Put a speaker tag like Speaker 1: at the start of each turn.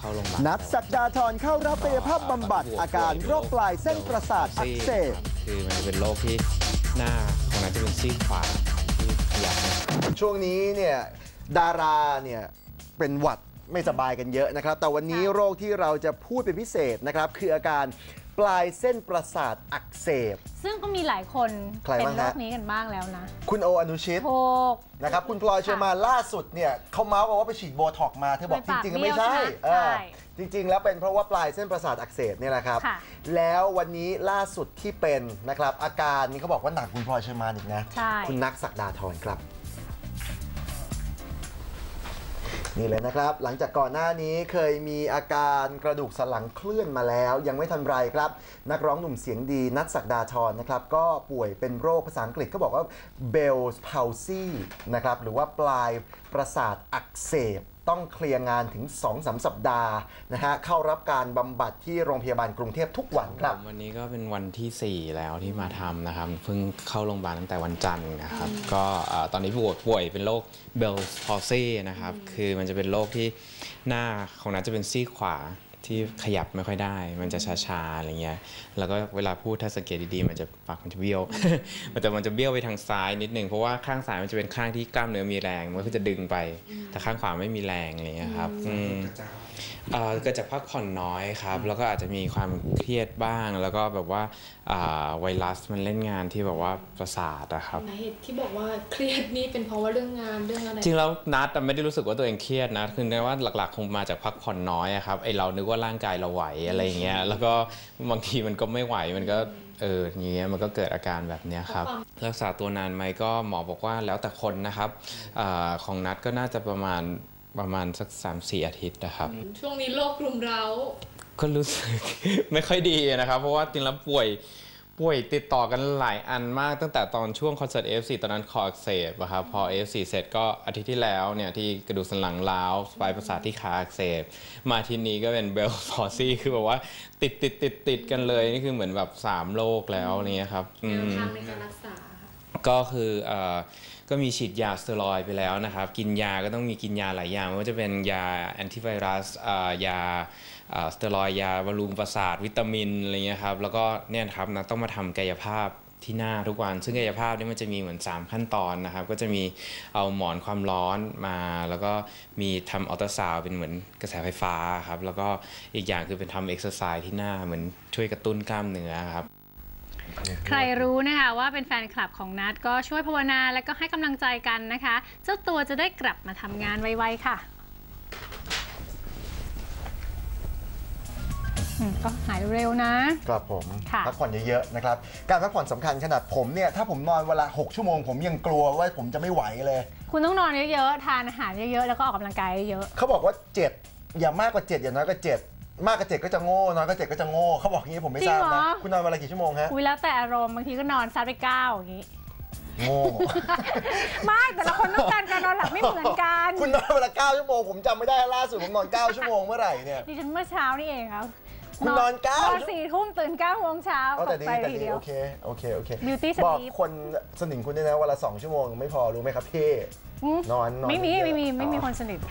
Speaker 1: เข้าโรงพยาบาล
Speaker 2: นัทศักดาธรเข้ารับกายภาพบำบัดอาการโรคปลายเส้นประสาทอักเสบ
Speaker 1: คือมันเป็นโรคที่หน้าของนั้นจะเป็นซีกขวาที่ขยับ
Speaker 2: ช่วงนี้เนี่ยดาราเนี่ยเป็นหวัดไม่สบายกันเยอะนะครับแต่วันนี้โรคที่เราจะพูดเป็นพิเศษนะครับคืออาการปลายเส้นประสาทอักเสบ
Speaker 3: ซึ่งก็มีหลายคนเป็นโรคนี้กันบ้างแล้วนะ
Speaker 2: คุณโออนุชิตนะครับคุณพลอยเชอร์มานล่าสุดเนี่ยเขาเมาส์ว่าไปฉีดโบท็อกมาเธอบอกจริงๆไม่ใช่จริงๆแล้วเป็นเพราะว่าปลายเส้นประสาทอักเสบนี่แหละครับแล้ววันนี้ล่าสุดที่เป็นนะครับอาการนี้เขาบอกว่าหนักคุณพลอยเชอร์มานอีกนะคุณนัทศักดาธรครับนี่เลยนะครับหลังจากก่อนหน้านี้เคยมีอาการกระดูกสันหลังเคลื่อนมาแล้วยังไม่ทันไรครับนักร้องหนุ่มเสียงดีนัทศักดาธรนะครับก็ป่วยเป็นโรคภาษาอังกฤษเขาบอกว่า Bell's palsy นะครับหรือว่าปลายประสาทอักเสบต้องเคลียร์งานถึง 2-3 สัปดาห์นะฮะเข้ารับการบำบัดที่โรงพยาบาลกรุงเทพทุกวันครับ
Speaker 1: วันนี้ก็เป็นวันที่4แล้วที่มาทำนะครับเพิ่งเข้าโรงพยาบาลตั้งแต่วันจันทร์นะครับก็ตอนนี้ป่วยเป็นโรค Bell's palsy นะครับคือมันจะเป็นโรคที่หน้าของนั้นจะเป็นซีกขวาที่ขยับไม่ค่อยได้มันจะชาๆอะไรเงี้ยแล้วก็เวลาพูดถ้าสังเกตดีๆมันจะปากมันจะเบี้ยว มันจะเบี้ยวไปทางซ้ายนิดนึงเพราะว่าข้างซ้ายมันจะเป็นข้างที่กล้ามเนื้อมีแรงมันก็จะดึงไปแต่ข้างขวาไม่มีแรงอะไรเงี้ยครับเกิดจากพักผ่อนน้อยครับแล้วก็อาจจะมีความเครียดบ้างแล้วก็แบบว่าไวรัสมันเล่นงานที่แบบว่าประสาทอะครับ
Speaker 4: สาเหตุที่บอกว่าเครียดนี่เป็นเพราะว่าเรื่องงานเรื่องอะไร
Speaker 1: จริงแล้วนัดไม่ได้รู้สึกว่าตัวเองเครียดนะคือในว่าหลักๆคงมาจากพักผ่อนน้อยครับไอเรานึกว่าร่างกายเราไหวอะไรอย่างเงี้ยแล้วก็บางทีมันก็ไม่ไหวมันก็อย่างเงี้ยมันก็เกิดอาการแบบนี้ครับรักษาตัวนานไหมก็หมอบอกว่าแล้วแต่คนนะครับของนัดก็น่าจะประมาณสัก 3-4 อาทิตย์นะครับ
Speaker 4: ช่วงนี้โรครุมเร้า
Speaker 1: ก็รู้สึก ไม่ค่อยดีนะครับเพราะว่าจริงแล้วป่วยติดต่อกันหลายอันมากตั้งแต่ตอนช่วงคอนเสิร์ต AF4 ตอนนั้นคออักเสบครับพอ AF4 เสร็จก็อาทิตย์ที่แล้วเนี่ยที่กระดูกสันหลังร้าวปลายประสาทที่ขาอักเสบมาทีนี้ก็เป็น Bell's palsy คือแบบว่าติดกันเลยนี่คือเหมือนแบบ3โรคแล้วเนี่ยครับ
Speaker 4: แนวทางในการรักษา
Speaker 1: ก็คือก็มีฉีดยาสเตียรอยด์ไปแล้วนะครับกินยาก็ต้องมีกินยาหลายอย่างไม่ว่าจะเป็นยาแอนติไวรัสยาสเตียรอยด์ยาบำรุงประสาทวิตามินอะไรเงี้ยครับแล้วก็เนี่ยครับนะต้องมาทำกายภาพที่หน้าทุกวันซึ่งกายภาพนี่มันจะมีเหมือน3ขั้นตอนนะครับก็จะมีเอาหมอนความร้อนมาแล้วก็มีทำอัลตราซาวด์เป็นเหมือนกระแสไฟฟ้าครับแล้วก็อีกอย่างคือเป็นทำเอ็กซ์ไซส์ที่หน้าเหมือนช่วยกระตุ้นกล้ามเนื้อครับ
Speaker 3: ใครรู้นะคะว่าเป็นแฟนคลับของนัทก็ช่วยภาวนาและก็ให้กำลังใจกันนะคะเจ้าตัวจะได้กลับมาทำงานไวๆค่ะก็หายเร็วนะครับ
Speaker 2: ผมพักผ่อนเยอะๆนะครับการพักผ่อนสำคัญขนาดผมเนี่ยถ้าผมนอนเวลา6 ชั่วโมงผมยังกลัวว่าผมจะไม่ไหวเลย
Speaker 3: คุณต้องนอนเยอะๆทานอาหารเยอะๆแล้วก็ออกกำลังกายเยอะ
Speaker 2: เขาบอกว่า7อย่ามากกว่า7อย่าน้อยกว่า7มากกว่า7ก็จะโง่น้อยกว่า7ก็จะโง่เขาบอกงี้ผมไม่ทราบนะคุณนอนเวลากี่ชั่วโมงฮะ
Speaker 3: แล้วแต่อารมณ์บางทีก็นอนซัดไป9อย่างนี้
Speaker 2: โง่
Speaker 3: ไม่แต่ละคนต้องการนอนหลับไม่เหมือนกัน
Speaker 2: คุณนอนเวลา9 ชั่วโมงผมจำไม่ได้ล่าสุดผมนอน9 ชั่วโมงเมื่อไหร่เนี่ย
Speaker 3: ดิฉันเมื่อเช้านี่เองครับ
Speaker 2: คุณนอน
Speaker 3: 4 ทุ่มตื่น9 โมงเช้า
Speaker 2: แต่ดีโอเคบอกคนสนิทคุณด้วยนะเวลา2 ชั่วโมงไม่พอรู้ไหมครับพี่นอน
Speaker 3: ไม่มีคนสนิท